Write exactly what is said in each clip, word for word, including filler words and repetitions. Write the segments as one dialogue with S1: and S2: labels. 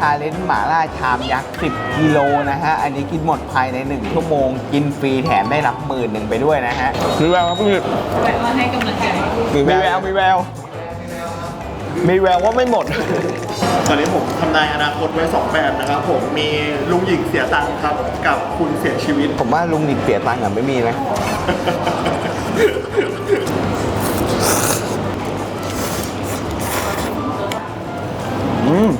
S1: าเลนจ์หม่าล่าชามยักษ์สิบกิโลนะฮะอันนี้กินหมดภายในหนึ่งชั่วโมงกินฟรีแถมได้รับหมื่นหนึ่งไปด้วยนะฮะมีแววครับพี่
S2: แวะมาให้กำลังใจ
S1: มีแววมีแววมีแววว่าไม่หมด
S3: ตอนนี้ผมทำนายอนาคตไว้สองแบบนะครับผมมีลุงหญิงเสียตังค์ครับกับคุณเสียชีวิต
S1: ผมว่าลุงหญิงเสียตังค์อ่ะไม่มีนะอืม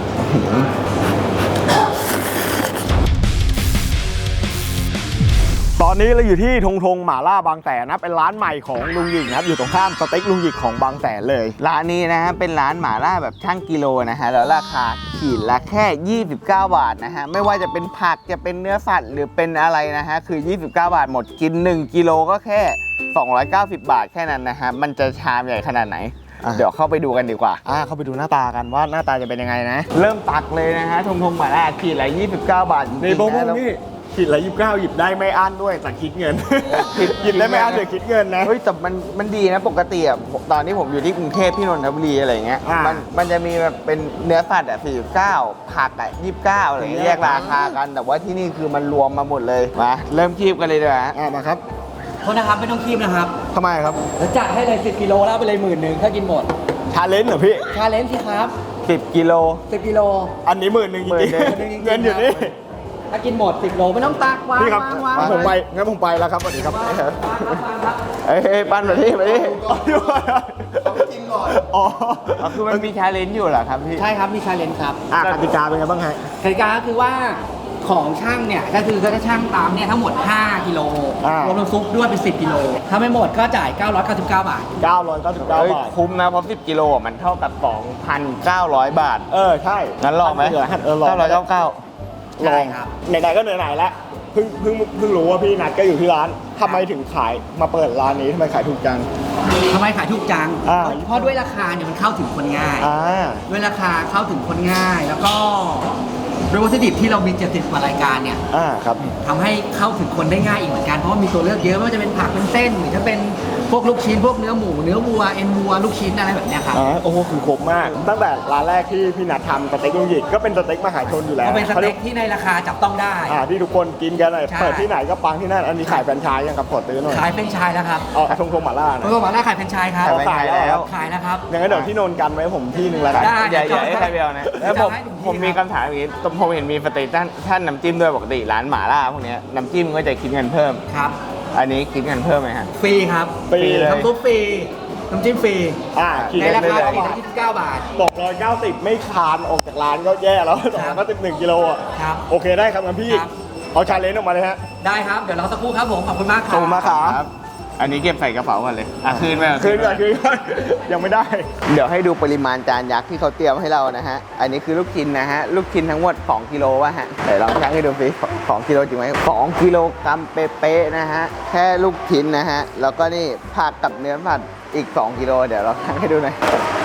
S4: ตอนนี้เราอยู่ที่ทงทงหม่าล่าบางแสนนะเป็นร้านใหม่ของลุงหยิกนะครับอยู่ตรงข้ามสเต็กลุงหยิกของบางแสนเลย
S1: ร้านนี้นะฮะเป็นร้านหม่าล่าแบบช่างกิโลนะฮะแล้วราคาขีดละแค่ยี่สิบเก้าบาทนะฮะไม่ว่าจะเป็นผักจะเป็นเนื้อสัตว์หรือเป็นอะไรนะฮะคือยี่สิบเก้าบาทหมดกินหนึ่งกิโลก็แค่สองร้อยเก้าสิบบาทแค่นั้นนะฮะมันจะชามใหญ่ขนาดไหนเดี๋ยวเข้าไปดูกันดีกว่า
S4: อ่าเข้าไปดูหน้าตากันว่าหน้าตาจะเป็นยังไงนะ
S1: เริ่มตักเลยนะฮะทงทงหม่าล่าขีดละยี่สิบเก้าบาท
S4: ในโบงนี่ขีดละยี่สิบเก้าหยิบได้ไม่อั้นด้วยแต่คิดเงินหยิบได้ไม่อั้นแต่คิดเงินนะ
S1: เฮ้ยแต่มันมันดีนะปกติอ่ะตอนที่ผมอยู่ที่กรุงเทพที่นนทบุรีอะไรเงี้ยมันมันจะมีแบบเป็นเนื้อสัตว์อ่ะสี่สิบเก้าผักอ่ะยี่สิบเก้าอะไรเงี้ยแยกราคากันแต่ว่าที่นี่คือมันรวมมาหมดเลยมาเริ่มคีบกันเลยดีกว่า
S4: อ่ามาครับ
S2: โทษนะครับไม่ต้องคีบนะครับ
S4: ทำไมครับ
S2: แล้วจัดให้เลยสิบกิโลแล้วไปเลยหมื่นหนึ่งถ้ากินหมด
S4: ชาเลนจ์เหรอพี่
S2: ชาเลนจ์สิครับ
S1: สิบกิโล
S2: สิบกิโล
S4: อันนี้หมื่นหนึ่งจริงๆเงินอยู่นี่
S2: ถ้ากินหมดสิบโลไม่ต้องตักวางวางวาง
S4: ผมไปงั้นผมไปแล้วครับสวัสดีครับ
S1: เฮ้ยปั้นมาที่มาที่
S3: จริงก่อน
S1: อ๋อคือมันมีชาเลนจ์อยู่เหรอครับพี่
S2: ใช่ครับมีชาเลนจ์ครับ
S4: อ่ะกติกาเป็นไงบ้างฮะ
S2: กติกาก็คือว่าของช่างเนี่ยก็คือก็จะช่างตามเนี่ยทั้งหมดห้ากิโลรวมน้ำซุปด้วยเป็นสิบกิโลถ้าไม่หมดก็จ่ายเก้าร้อยเก้าสิบเก้าบาท
S4: เก้าร้อยเก้าสิบเก้าบาท
S1: คุ้มนะเพราะสิบกิโลมันเท่ากับ สองพันเก้าร้อย บาท
S4: เออใช่
S1: งั้นลองไหม
S4: เออลอง
S1: เก้าร้อยเก้าสิบเก้า
S4: ลองไหนๆก็ไหนๆแล้วเพิ่งเพิ่งเพิ่งรู้ว่าพี่นัทก็อยู่ที่ร้านทำไมถึงขายมาเปิดร้านนี้ทำไมขายถูกจัง
S2: ทำไมขายถูกจังเพราะด้วยราคาเนี่ยมันเข้าถึงคนง่ายด้วยราคาเข้าถึงคนง่ายแล้วก็ด้วยวัตถุดิบที่เรามีเจ็ดสิบกว่ารายการเนี่ยทำให้เข้าถึงคนได้ง่ายอีกเหมือนกันเพราะว่ามีตัวเลือกเยอะไม่ว่าจะเป็นผักเป็นเส้นหรือจะเป็นพวกลูกชิ้นพวกเนื้อหมูเนื้อวัวเอ็นวัวลูกชิ้นอะไรแบบนี้ครับ
S4: อ๋อโอ้โหคือครบมากตั้งแต่ร้านแรกที่พี่นัททำสเต็กลุงหยิกก็เป็นสเต็กมหาชนอยู่แล้ว
S2: เป็นสเต็กที่ในราคาจับต้องได้
S4: อ่าที่ทุกคนกินกันเลยเปิดที่ไหนก็ปังที่นั่นอันนี้ขายแฟรนไชส์ยังครับขอตื้อหน่อย
S2: ขายแฟรนไชส์แล้วครับ
S4: อ๋อทงทงหม่าล่า
S2: ทงทงหม่าล่าขายแฟรนไชส์ครับ
S4: ขายแล้ว
S2: ขายแล้วครับ
S4: อย่างนั้นเดี๋ยวที่นนกันไว้ผมที่นึงแล้วกัน
S1: อย่าอย่าให้ใครเบลนะแล้วผมผมมีคำถามอย่างนี้ผมเห็นมีสเต็กท่านท่านน้ำจิ้มด้วยปกติร้านหม่าล่าพวกนี้น้ำจิ้มก็จะคิดเงินเพิ่ม
S2: ครับ
S1: อันนี้คิดเงินเพิ่มไหมฮะ
S2: ฟรีครับ
S4: ฟรีเลย
S2: น้ำซุปฟรีน้ำจิ้มฟรี
S4: อ่า
S2: ในราคาขีดละยี่สิบเก้าบาท
S4: ตกร้อยเก้าสิบไม่คานออกจากร้านก็แย่แล้วสองร้อยเก้าสิบหนึ่งกิโลอ่ะ
S2: ครับ
S4: โอเคได้ครับงั้นพี่เอาชาเลนจ์ออกมาเลยฮะ
S2: ได้ครับเดี๋ยวเราสักครู่ครับผมขอบคุณมากครับ
S4: ขอบคุณมากครับ
S1: อันนี้เก็บใส่กระเป๋าก่อนเลยอ่ะคืนไป
S4: คืนก่อนคืนก่อนยังไม่ได้
S1: เดี๋ยวให้ดูปริมาณจานยักษ์ที่เขาเตรียมให้เรานะฮะอันนี้คือลูกชิ้นนะฮะลูกชิ้นทั้งหมดสองกิโลวะฮะเดี๋ยวลองชั่งให้ดูสิสองกิโลจริงไหมสองกิโลกรัมเป๊ะๆนะฮะแค่ลูกชิ้นนะฮะแล้วก็นี่ผักกับเนื้อผัดอีกสองกิโลเดี๋ยวเราชั่งให้ดูหน่อย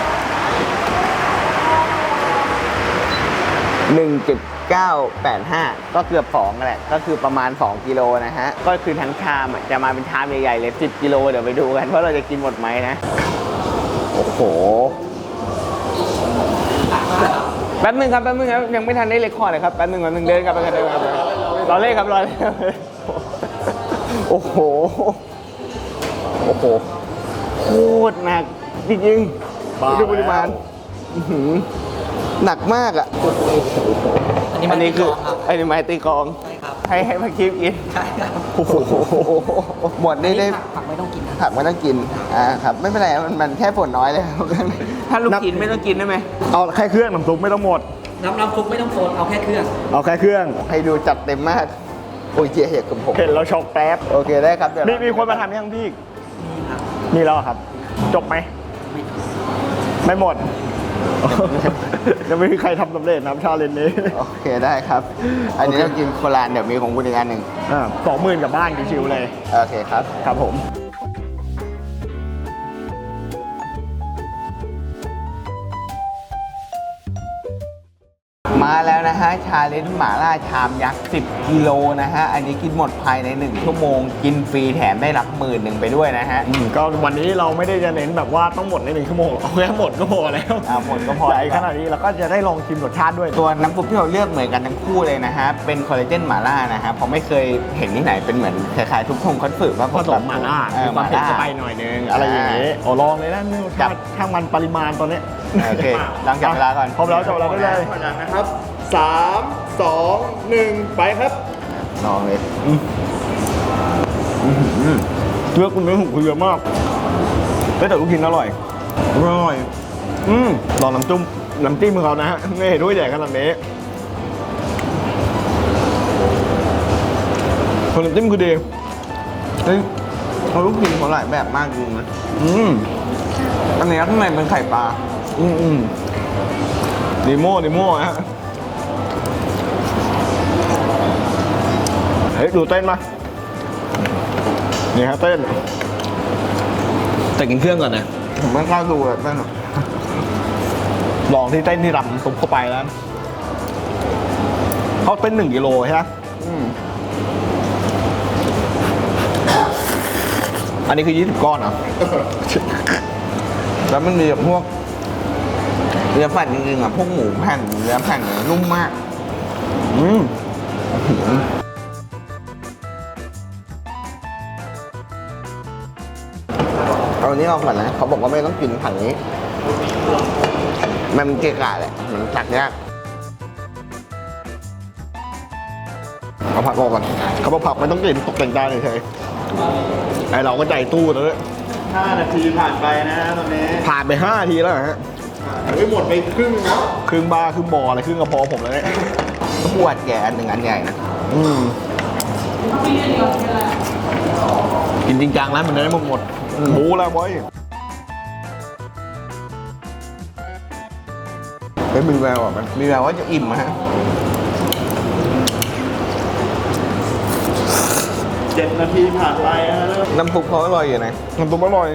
S1: หนึ่งจุดเก้าแปดห้าก็เกือบสองแหละก็คือประมาณสองกิโลนะฮะก็คือทั้งชามจะมาเป็นชามใหญ่ๆเลยสิบกิโลเดี๋ยวไปดูกันว่าเราจะกินหมดไหมนะโอ้โหแป๊บนึงครับแป๊บนึงครับยังไม่ทันได้เลคคอร์ดเลยครับแป๊บนึงแป๊บนึงเดินกลับไปกันเดินกลับไปรอเล่ครับรอเล่โอ้โหโอ้โหโคตรหนักจริงๆดูปริมาณหนักมากอ่ะอันนี้คืออันนี้ไม้ตีกองให้ให้พักคิปกิน
S2: ใช่ครับ
S1: โอ้โหหมดนี่ได้
S2: ผักไม่ต้องกิน
S1: ผักไม่ต้องกินอ่าครับไม่เป็นไรมันมันแค่ฝนน้อยเลยถ้าลูกกินไม่ต้องกินได้ไหม
S4: เอาแค่เครื่องน้ำซุปไม่ต้องหมด
S2: น้ำน้ำซุปไม่ต้องโซนเอาแค่เครื่อง
S4: เอาแค่เครื่อง
S1: ให้ดูจัดเต็มมากโอ้ยเจี๊ยบกับผม
S4: เห็นเราช็อกแป๊บ
S1: โอเคได้ครับเดี๋ยว
S4: มีมีคนมาทำยังพี่มีครับมีแล้วครับจบไหมไม่หมดยังไม่มีใครทำสำเร็จน้ำชาเลนนี้
S1: โอเคได้ครับอันนี้ต้องกินโคลานเดี๋ยวมีของคุณอีกอันหนึ่ง
S4: อ่าสองหมื่นกับบ้านชิวๆเลย
S1: โอเคครับ
S4: ครับผม
S1: มาแล้วนะฮะชาเลนจ์หม่าล่าชามยักษ์สิบกิโลนะฮะอันนี้กินหมดภายในหนึ่งชั่วโมงกินฟรีแถมได้รับหมื่นหนึ่งไปด้วยนะฮะ
S4: อืมก็วันนี้เราไม่ได้จะเน้นแบบว่าต้องหมดในหนึ่งชั่วโมงเอาแค่หมดก็พอแล้ว
S1: อ่าหมดก็พอ
S4: ใหญ่ขนาดนี้เราก็จะได้ลองชิมรสชาติด้วย
S1: ตัวน้ำซุปที่เราเลือกเหมือนกันทั้งคู่เลยนะฮะเป็นคอลลาเจนหม่าล่านะฮะเพราะไม่เคยเห็นที่ไหนเป็นเหมือนคล้ายๆทุกทงคัตสึว่า
S4: ผสมหม่าล่า
S1: เออ
S4: มี
S1: ห
S4: ความ
S1: ม่า
S4: เผ็ด
S1: ล่า
S4: เข้าไปหน่อยนึงอะไรอย่างงี้โอ้ลองเลยนะนี่
S1: จับ
S4: ช่างมันปริมาณตอนนี้
S1: โอเคลองจับเวลาก่อน
S4: พร้อมแล้วจับเวลาได้เลย
S3: ขอจากนะครับสามสองหนึ่งไปครับ
S1: ลองเลย
S4: เลือกคุณเนื้อหูเยอะมากเฮ้ยแต่ลูกชิ้นอร่อยอร่อยอืมลองน้ำจุ้มน้ำจิ้มของเขานะฮะนี่ด้วยใหญ่ขนาดนี้คนน้ำจิ้มคือดี
S1: เฮ้ยเขาลูกชิ้นเขาหลายแบบมากจริงนะ
S4: อืม
S1: อันนี้ข้างในเป็นไข่ปลา
S4: อืมอืมดีโม่ดีโม่ฮะเฮ้ยดูเต้นมานี่ฮะเต้นแต่กินเครื่องก่อนนะ
S1: ผมไม่กล้าดูแบบนั้นหรอก
S4: ลองที่เต้นที่รำซุปเข้าไปแล้วเขาเป็นหนึ่งกิโลใช่ไหม
S1: อืม
S4: อันนี้คือยี่สิบก้อนเหรอ
S1: แล้วมันมีแบบพวกเนื้อแผ่นจริงๆอ่ะพวกหมูแผ่นเนื้อแผ่นเนี่ยนุ่มมาก
S4: อืม
S1: เอาอันนี้เอาก่อนนะเขาบอกว่าไม่ต้องกินผังนี้ มันเกะกะแหละมันตักยาก
S4: เอาผักออกก่อนเขาบอกผักไม่ต้องกินตกแต่งจานเฉยๆไอเราก็ใจตู้แล้วเนี่ย
S3: ห้านาทีผ่านไปนะตอนนี้
S4: ผ่านไปห้านาทีแล้วเหรอฮะ
S3: เฮ้ยหมดไปครึ่งนะ
S4: ครึ่งบาร์ครึ่งบออะไรครึ่งกระเพาะผมแล้วเนี่ย
S1: ขวดแก่อันหนึ่งอันใหญ่นะ
S4: อืมกินจริงจังแล้วมันได้หมดหมดหมูแล้วบอย
S1: เฮ้ยมีแววอ่ะมันมีแววว่าจะอิ่มอะฮะ
S3: เจ็ดนาทีผ่านไปนะเริ่ม
S1: น้ำซุปเขาอร่อยอยู่นะ
S4: น้ำซุปอร่อย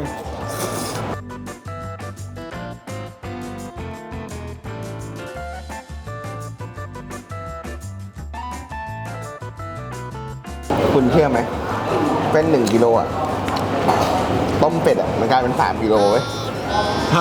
S1: คุณเชื่อไหมเป็นหนึ่งกิโลอ่ะต้มเป็ดอ่ะมันกลายเป็นสามกิโลเว้ย
S4: ใช่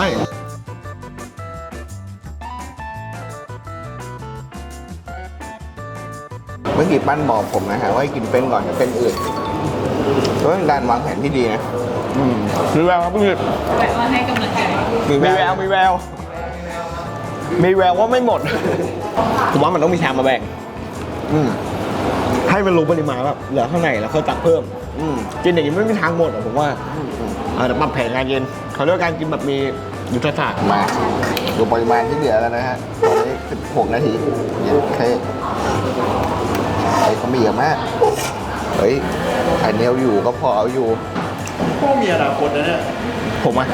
S1: เมื่อกี้ปั้นบอกผมนะฮะว่าให้กินเป็นก่อนกับเป็นอื่นก็เป็นการวางแผนที่ดีนะ
S4: อืมมีแววครับพี่
S5: แบบว่าให้กำลังใจ
S1: มี
S4: มี
S1: แว
S4: แว
S1: ว
S4: วมีแววมีแววว่าไม่หมด ผมว่ามันต้องมีชามมาแบ่ง
S1: อืม
S4: ให้มันรู้ปริมาณแบบเหลือข้างในแล้วค่อยตักเพิ่ม
S1: อืม
S4: กินอย่างนี้ไม่มีทางหมดอะผมว่าอาจจะปรับแผนงานเย็นเขาเรียกว่าการกินแบบมียุทธศาสตร์
S1: มาดูปริมาณที่เหลือแล้วนะฮะตอนนี้สิบหกนาทีเย็นเคไอ้เขามีเยอะมากเฮ้ยอันนี้เอาอยู่ก็พอเอาอยู่
S3: พวกมีอนาคตนะเนี่ย
S4: ผมอะ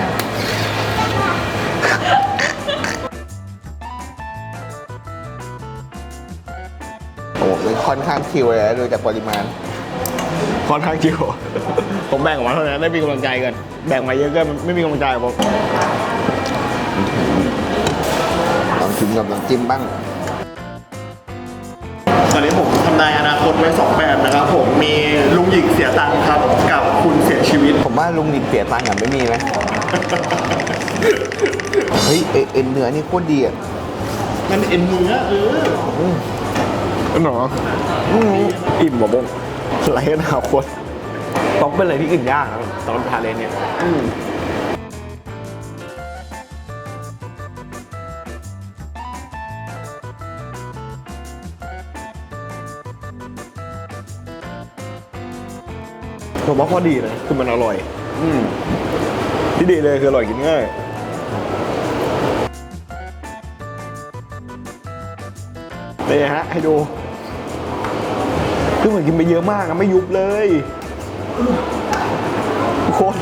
S1: โอ้โหมันค่อนข้างคิวเลยนะดูจากปริมาณ
S4: ค่อนข้างจิ๋ว ผมแบ่งออกมาเท่านั้นได้มีกำลังใจกัน แบ่งมาเยอะก็ไม่มีกำลังใจผม
S1: ลองชิมกับน้ำจิ้มบ้าง
S3: ตอนนี้ผมทำนายอนาคตไว้สองแบบนะครับผมมีลุงหยิกเสียตังค์ครับกับคุณเสียชีวิต
S1: ผมว่าลุงนิดเสียตังค์อ่ะไม่มีไหมเฮ้ยเอเอ็นเนื้อนี่โคตรดีอ่ะ
S3: มันเอ็นเนื้อเออ
S4: นั่นหรออืมอิ่มบ่บงไรอนาคตต้องเป็นอะไรที่กินยากนะตอนทานเลนเนี่ย
S1: อืม
S4: ผมว่าข้อดีนะคือมันอร่อย
S1: อืม
S4: ที่ดีเลยคืออร่อยกินง่ายนี่ฮะให้ดูคือเหมือนกินไปเยอะมากอะไม่ยุบเลยโคตร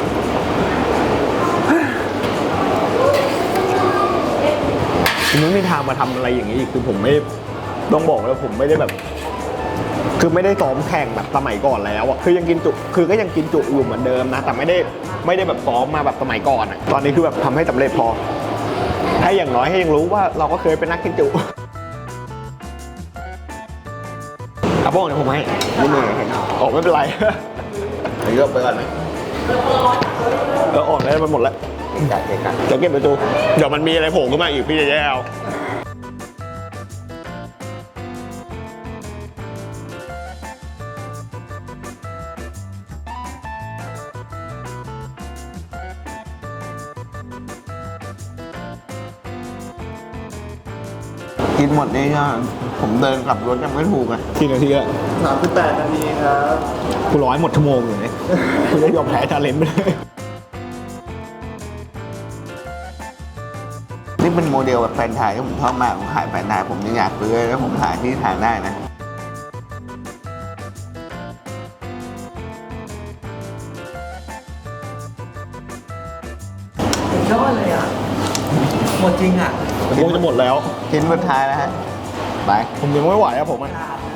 S4: ผมไม่มีทางมาทำอะไรอย่างนี้อีกคือผมไม่ต้องบอกแล้วผมไม่ได้แบบ คือไม่ได้ซ้อมแข่งแบบสมัยก่อนแล้วอะคือยังกินจุคือก็ยังกินจุอยู่เหมือนเดิมนะแต่ไม่ได้ไม่ได้แบบซ้อมมาแบบสมัยก่อนอะตอนนี้คือแบบทำให้สำเร็จพอให้อย่างน้อยให้ยังรู้ว่าเราก็เคยเป็นนักกินจุบ้องเดี๋ยวผมให้นี่มือออกไม่เป็นไรอันนี้ก็ไปก่อนไหมเออออกได้มันหมดแล้วจัดเก็บกันเดี๋ยวเก็บไปดูเดี๋ยวมันมีอะไรโผล่ขึ้นมาอีกพี่จะแย่เอากินหมดนี่ก็ผมเดินกลับรถยังไม่ถูกอ่ะกี่นาทีอะ
S3: สามสิบแปดนาทีครับ
S4: กูร้อยหมดชั่วโมงอยู่เนี่ยกูจะยอมแพ้ชาเลนจ์ไปเลย
S5: นี่เป็นโมเดลแบบแฟรนไชส์ที่ผมชอบมากผมขายแฟรนไชส์ผมยังอยากซื้อเลยแล้วผมหาที่ทางได้นะ
S2: ยอดเลยอ่ะ หมดจริงอ่ะ
S4: ชั่วโมงจะหมดแล้ว
S5: ชิ้นสุดท้ายแล้วฮะไป
S4: ผมยังไม่ไหวอะผมอะ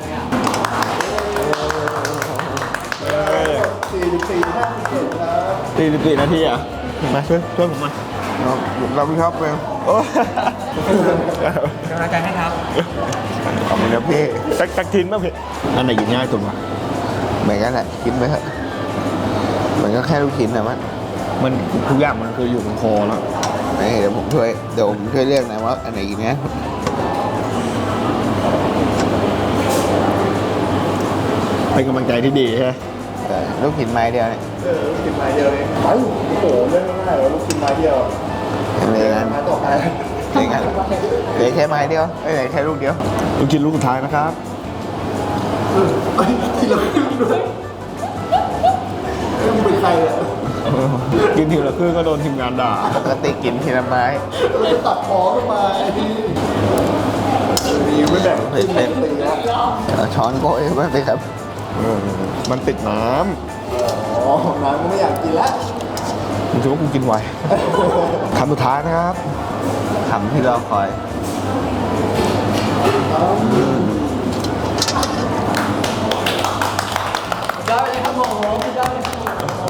S3: สี่สิบสี่ห้าสิบเจ็ดครับ
S4: สี่สิบสี่นาทีอะมาช่วยช่วยผมมา
S5: เราเราไม่ชอบเลย
S4: โอ้
S2: กำลังใจให้ครับ
S5: ขอบคุณนะพี่
S4: จักจักทิ้นป่ะพี่อันไหนกินง่ายสุดวะ
S5: เหมือนกันแหละกินไปเถอะมันก็แค่ลูกชิ้นนะมัน
S4: มันทุกอย่างมันคืออยู่บนคอแล้ว
S5: นี่เดี๋ยวผมช่วยเดี๋ยวผมช่วยเลือกนะว่าอันไหนกินง่าย
S4: เป็นกำลังใจที่ดีใช่ไหม
S5: เออลูกชิ้นไม้เดียวเนี่ย
S3: เออลูกชิ้นไม้เดียวเองไปโอ้โหเล่นง่ายๆเลยลูกชิ้นไม้เดียว
S5: เลยกัน
S3: ไม้ต่อไป
S5: เลยกันเหลือแค่ไม้เดียวเอ้ยเหลือแค่ลูกเดียว
S4: ลูกชิ้นลูกสุดท้ายนะครับ
S3: เอ้ยทีละครึ่งด้วยเอ้ยมึงเป็นใครอ่ะ
S4: กินทีละครึ่งก็โดนทีมงานด่า
S5: ปกติกินทีละไม้
S3: เราจะตัดคอขึ้นมาไอ้นี่ดีไม่แบ่ง
S5: เผ็ดเผ็ด
S3: ตีแล้ว
S5: เอาช้อนโกยมาไปครับ
S4: เออมันติดน้
S3: อ๋อน้ำก็ไม่อยากกินแล้ว
S4: ำมึงคิดว่ากูกินไหวคำสุดท้ายนะครับ
S5: คำที่รอคอย
S2: ยอดเลยครับผมยอดเลยครับผม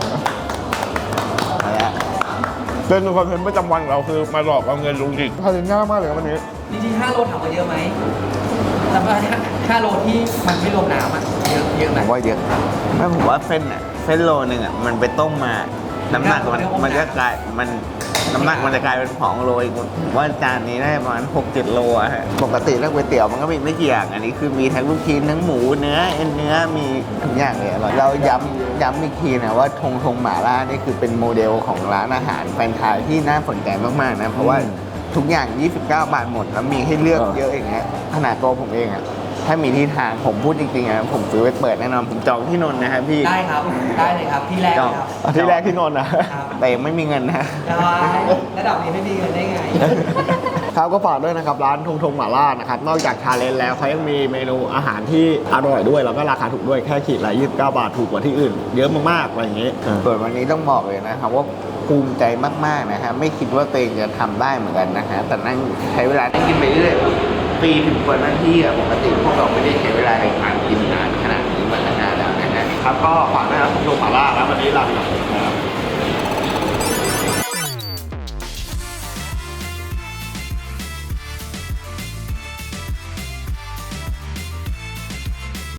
S5: อะไรอะ
S4: เล่นคอนเทนต์ประจำวันของเราคือมาหลอกเอาเงินลุงจิกทาเลนง่ายมากเลยครับวันนี้
S2: จริงๆห้าโลถามว่าเยอะไหมแต่ว่าห้าโลที่มันไม่รวมน้ำอ่ะ เยอะเยอะไห
S5: ผม มว่าเยอะไม่ผมว่าเส้นอ่ะเส้นโลนึงอ่ะมันไปต้มมา น้ำหนักมันมันก็กลายมันน้ำหนักมันจะกลายเป็นสองโลอีกผมว่าจานนี้ได้ประมาณหกเจ็ดโลอะฮะปกติแล้วก๋วยเตี๋ยวมันก็มีไม่กี่อย่างอันนี้คือมีทั้งลูกชิ้นทั้งหมูเนื้อเอ็นเนื้อมีทุกอย่างเลยอร่อยเราย้ำย้ำอีกทีนะว่าทงทงหม่าล่านี่คือเป็นโมเดลของร้านอาหารแฟรนไชส์ที่น่าสนใจมากๆนะเพราะว่าทุกอย่างยี่สิบเก้าบาทหมดแล้วมีให้เลือกเยอะอย่างเงี้ยขนาดตัวผมเองอ่ะถ้ามีที่ทางผมพูดจริงๆนะผมซื้อไว้เปิดแน่นอนผมจองที่นนท์นะครับพี่
S2: ได้ครับ ได้เลยครับ ที่แรกเลยครับ
S4: อาทิตย์แรกที่นอนนะ
S2: ครับ
S5: แต่ยังไม่มีเงินนะ
S2: ได้ระดับนี้ไม่มีเงินได้ไง
S4: ครับก็ฝากด้วยนะครับร้านทงทงหม่าล่านะครับนอกจากชาเลนจ์แล้วเขายังมีเมนูอาหารที่อร่อยด้วยแล้วก็ราคาถูกด้วยแค่ขีดละยี่สิบเก้าบาทถูกกว่าที่อื่น เยอะมากๆอะไรอย่างงี้เออ
S5: ส่วนวันนี้ต้องบอกเลยนะครับว่าภูมิใจมากๆนะฮะไม่คิดว่าตัวเองจะทำได้เหมือนกันนะฮะแต่นั่งใช้เวลานั่งกินไปเรื่อยปีถึงกว่านาทีอะปกติพวกเราไม่ได้ใช้เวลาในการกินนานขนาดนี้มานานแล้วนะฮะ
S4: ครับก็ฝากนะครับทงทงหม่าล่าแล้ววันนี้ลาไปก่อนนะครับ